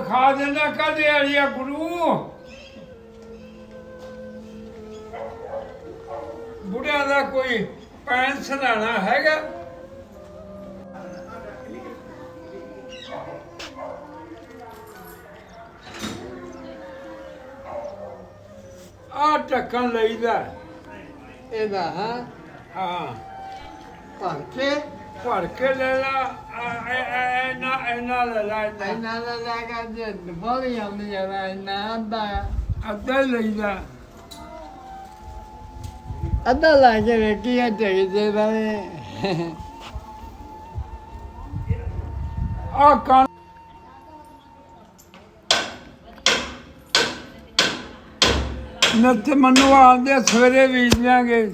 ਖਾ ਦੇਣਾ ਕਦੇ ਵਾਲੀਆ ਗੁਰੂ ਬੁੜਿਆਂ ਦਾ ਕੋਈ ਪੈਨ ਸਰਾਣਾ ਹੈਗਾ। ਆ ਢੱਕਣ ਲਈਦਾ ਇਹਦਾ ਹਾਂ ਹਾਂ ਭਰ ਕੇ ਲੈ ਲਾ ਇਹਨਾਂ ਲੈ ਲਾ ਇਹਨਾਂ ਦਾ ਲੱਗਾ ਜੇ ਬੋਲੀ ਆਉਂਦੀ ਆ ਇਹਨਾਂ ਅੱਧਾ ਹੀ ਲਈਦਾ ਅੱਧਾ ਲਾ ਕੇ ਵੇਖੀ ਆ ਚਾਹੀਦੇ ਬਾਰੇ ਆ ਕਣ ਨੱਤ ਮੈਨੂੰ ਆਂਦੇ ਸਵੇਰੇ ਬੀਜ ਦਿਆਂਗੇ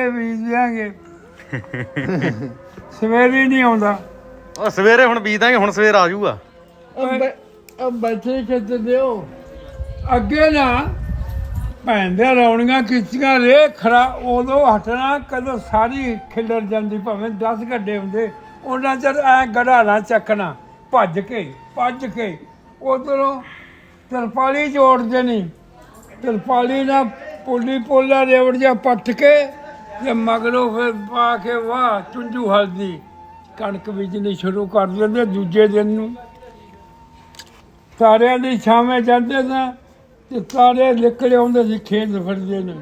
ਸਵੇਰੇ ਨਹੀਂ ਆਉਂਦਾ। ਉਹ ਸਵੇਰੇ ਹੁਣ ਬੀਜ ਦਾਂਗੇ, ਹੁਣ ਸਵੇਰ ਆ ਜਾਊਗਾ। ਉਹ ਬੱਚੇ ਖਿੱਚ ਦਿਓ ਅੱਗੇ ਨਾ ਭੈਣ ਦੇ ਰੌਣੀਆਂ ਕੀਤੀਆਂ ਰੇ ਖਰਾ ਉਦੋਂ ਹਟਣਾ ਕਦੋਂ ਸਾਰੀ ਖਿਲਰ ਜਾਂਦੀ ਭਾਵੇਂ 10 ਗੱਡੇ ਹੁੰਦੇ ਉਹਨਾਂ ਚਿਰ ਐ ਗੜਾਣਾ ਚੱਕਣਾ ਭੱਜ ਕੇ ਉਧਰੋਂ ਤਰਪਾਲੀ ਜੋੜਦੇ ਨਹੀਂ ਤਰਪਾਲੀ ਨਾਲ ਪੋਲਾ ਰੇਵੜ ਜਿਹਾ ਪੱਟ ਕੇ ਤੇ ਮਗਰੋਂ ਫਿਰ ਪਾ ਕੇ ਵਾਹ ਚੁੰਝੂ ਹਲਦੀ ਕਣਕ ਬੀਜਣੀ ਸ਼ੁਰੂ ਕਰ ਦਿੰਦੇ। ਦੂਜੇ ਦਿਨ ਨੂੰ ਸਾਰਿਆਂ ਦੀ ਛਾਵੇਂ ਜਾਂਦੇ ਤਾਂ ਤੇ ਸਾਰੇ ਨਿਕਲੇ ਆਉਂਦੇ ਸੀ ਖੇਤ ਫਿਰਦੇ ਨੇ।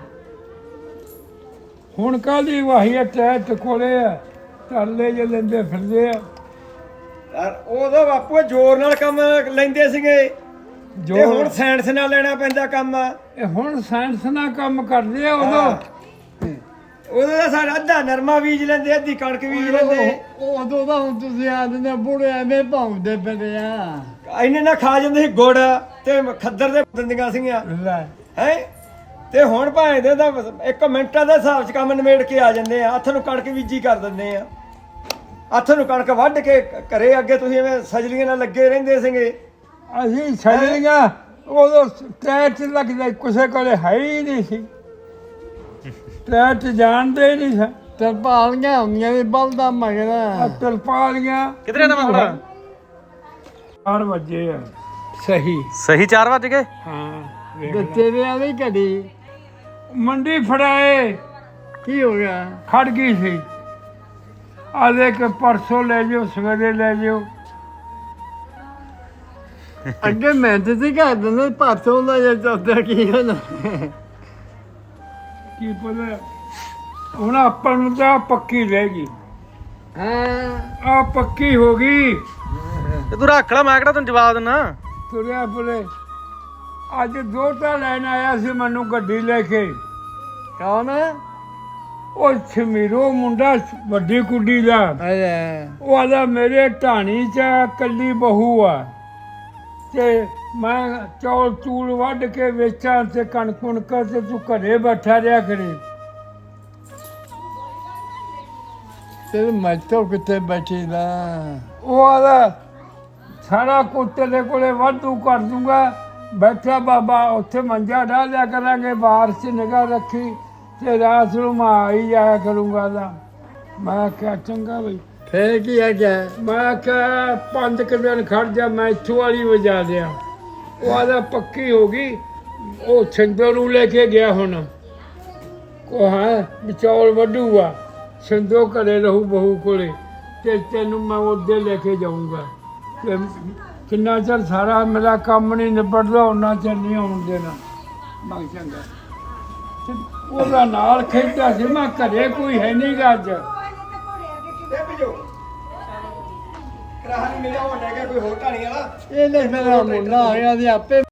ਹੁਣ ਕਾਹਦੀ ਵਾਹੀ ਟੈਟ ਕੋਲੇ ਆ ਤਰਲੇ ਜੇ ਲੈਂਦੇ ਫਿਰਦੇ ਆ। ਉਦੋਂ ਬਾਪੂ ਜ਼ੋਰ ਨਾਲ ਕੰਮ ਲੈਂਦੇ ਸੀਗੇ ਜੋ ਹੁਣ ਸਾਇੰਸ ਨਾਲ ਲੈਣਾ ਪੈਂਦਾ ਕੰਮ। ਇਹ ਹੁਣ ਸਾਇੰਸ ਨਾਲ ਕੰਮ ਕਰਦੇ ਆ। ਉਦੋਂ ਦਾ ਸਾਡਾ ਅੱਧਾ ਨਰਮਾ ਬੀਜ ਲੈਂਦੇ, ਅੱਧੀ ਕਣਕ ਬੀਜ ਲੈਂਦੇ। ਉਦੋਂ ਤਾਂ ਹੁਣ ਤੁਸੀਂ ਆਦਨੇ ਬੁੜੇ ਐਵੇਂ ਭੌਂਦੇ ਫਿਰਦੇ ਆ। ਇੰਨੇ ਨਾ ਖਾ ਜਾਂਦੇ ਸੀ ਗੁੜ ਤੇ ਖੱਦਰ ਦੇ ਦਿੰਦੀਆਂ ਸੀਗੀਆਂ ਹੈ। ਤੇ ਹੁਣ ਭਾਵੇਂ ਦੇ ਤਾਂ 1 ਮਿੰਟਾਂ ਦੇ ਹਿਸਾਬ 'ਚ ਕੰਮ ਨਿਬੇੜ ਕੇ ਆ ਜਾਂਦੇ ਆ। ਹੱਥ ਨੂੰ ਕਣਕ ਬੀਜੀ ਕਰ ਦਿੰਦੇ ਆ। ਹੱਥ ਨੂੰ ਕਣਕ ਵੱਢ ਕੇ ਘਰੇ ਅੱਗੇ ਤੁਸੀਂ ਐਵੇਂ ਸਜਲੀਆਂ ਨਾਲ ਲੱਗੇ ਰਹਿੰਦੇ ਸੀਗੇ। ਅਸੀਂ ਛੱਡੀਆਂ ਉਦੋਂ ਟੈਟ ਲੱਗਦਾ ਕਿਸੇ ਕੋਲੇ ਹੈ ਹੀ ਨਹੀਂ ਸੀ। ਟੈਟ ਜਾਣਦੇ ਹੀ ਨਹੀਂ ਸੀ। ਤਰਪਾਲੀਆਂ ਹੁੰਦੀਆਂ ਵੀ ਬਲਦਾ ਮਗਰ ਤਰਪਾਲੀਆਂ ਕਿਧਰੇ ਨਾ ਮੈਂ 4 ਵਜੇ ਆ ਸਹੀ 4 ਵਜ ਗਏ। ਹਾਂ ਤੇਰੇ ਵਾਲੀ ਘੜੀ ਮੰਡੀ ਫੜਾਏ ਕੀ ਹੋ ਗਿਆ? ਖੜ ਗਈ ਸੀ। ਆਦੇ ਕਿ ਪਰਸੋਂ ਲੈ ਜਾਓ ਸਵੇਰੇ ਲੈ ਜਾਓ। ਅੱਗੇ ਮਿਹਨਤ ਸੀ ਕਰ ਦਿੰਦੇ ਪਰਸੋਂ ਦਾ ਜੇ ਚੌਥਾ ਕੀ ਹੋਣਾ। ਕੀ ਪਤਾ ਹੁਣ ਆਪਾਂ ਨੂੰ ਤਾਂ ਪੱਕੀ ਰਹਿ ਗਈ। ਹਾਂ ਆ ਪੱਕੀ ਹੋ ਗਈ। ਤੇ ਤੂੰ ਰੱਖ ਲੈ, ਮੈਂ ਕਿਹੜਾ ਤੈਨੂੰ ਜਵਾਬ ਦਿੰਨਾ। ਤੁਰਿਆ ਫਿਰੇ ਅੱਜ 2 ਤਾਂ ਲੈਣ ਆਇਆ ਸੀ ਮੈਨੂੰ ਗੱਡੀ ਲੈ ਕੇ। ਕੌਣ? ਉਹ ਛਮੀਰੋ ਮੁੰਡਾ ਵੱਡੀ ਕੁੜੀ ਦਾ। ਉਹ ਆਦਾ ਮੇਰੇ ਢਾਣੀ 'ਚ ਕੱਲੀ ਬਹੂ ਆ ਤੇ ਮੈਂ ਚੌਲ ਚੂਲ ਵੱਢ ਕੇ ਵੇਚਾਂ ਤੇ ਕਣਕ ਕੁਣਕ ਤੇ ਤੂੰ ਘਰੇ ਬੈਠਾ ਰਿਹਾ ਕਰੀ। ਤੇਰੇ ਮੈਥੋਂ ਕਿੱਥੇ ਬੈਠੀ ਦਾ? ਉਹ ਆਦਾ ਸਾਰਾ ਕੁਝ ਤੇਰੇ ਕੋਲੇ ਵਾਧੂ ਕਰ ਦੂੰਗਾ। ਬੈਠਾ ਬਾਬਾ ਉੱਥੇ ਮੰਜਾ ਢਾ ਲਿਆ ਕਰਾਂਗੇ, ਬਾਹਰ 'ਚ ਨਿਗਾਹ ਰੱਖੀ ਤੇ ਰਾਤ ਨੂੰ ਮੈਂ ਆਈ ਜਾਇਆ ਕਰੂੰਗਾ ਦਾ। ਮੈਂ ਕਿਹਾ ਚੰਗਾ ਬਈ। ਫੇਰ ਕੀ ਆ ਗਿਆ? ਮੈਂ ਕਿਹਾ 5 ਦਿਨ ਖੜ ਜਾ ਮੈਂ ਇੱਥੋਂ ਵਾਲੀ ਵਜਾ ਦਿਆਂ। ਉਹ ਆਦਾ ਪੱਕੀ ਹੋ ਗਈ। ਉਹ ਸਿੰਧੂ ਨੂੰ ਲੈ ਕੇ ਗਿਆ ਹੁਣ। ਉਹ ਹਾਂ ਚੌਲ ਵੱਢੂਗਾ ਸਿੰਧੂ ਘਰੇ ਰਹੂ ਬਹੂ ਕੋਲੇ ਤੇ ਤੈਨੂੰ ਮੈਂ ਉਹਦੇ ਲੈ ਕੇ ਜਾਊਂਗਾ। ਤੇ ਕਿੰਨਾ ਚਿਰ ਸਾਰਾ ਮੇਰਾ ਕੰਮ ਨਹੀਂ ਨਿਬੜਦਾ ਉਹਨਾਂ ਚਿਰ ਨਹੀਂ ਆਉਣ ਦੇਣਾ। ਮੈਂ ਚੰਗਾ ਤੇ ਉਹਦਾ ਨਾਲ ਖੇਡਦਾ ਸੀ। ਮੈਂ ਘਰੇ ਕੋਈ ਹੈ ਨਹੀਂ ਗਾ ਅੱਜ। ਕਰਾਹ ਨਹੀਂ ਮਿਲਿਆ, ਉਹ ਲੈ ਗਿਆ ਕੋਈ ਹੋਰ ਢਾਣੀ ਵਾਲਾ। ਇਹ ਲੈ ਮੇਰਾ ਮੁੰਡਾ ਆ ਗਿਆ ਤੇ ਆਪੇ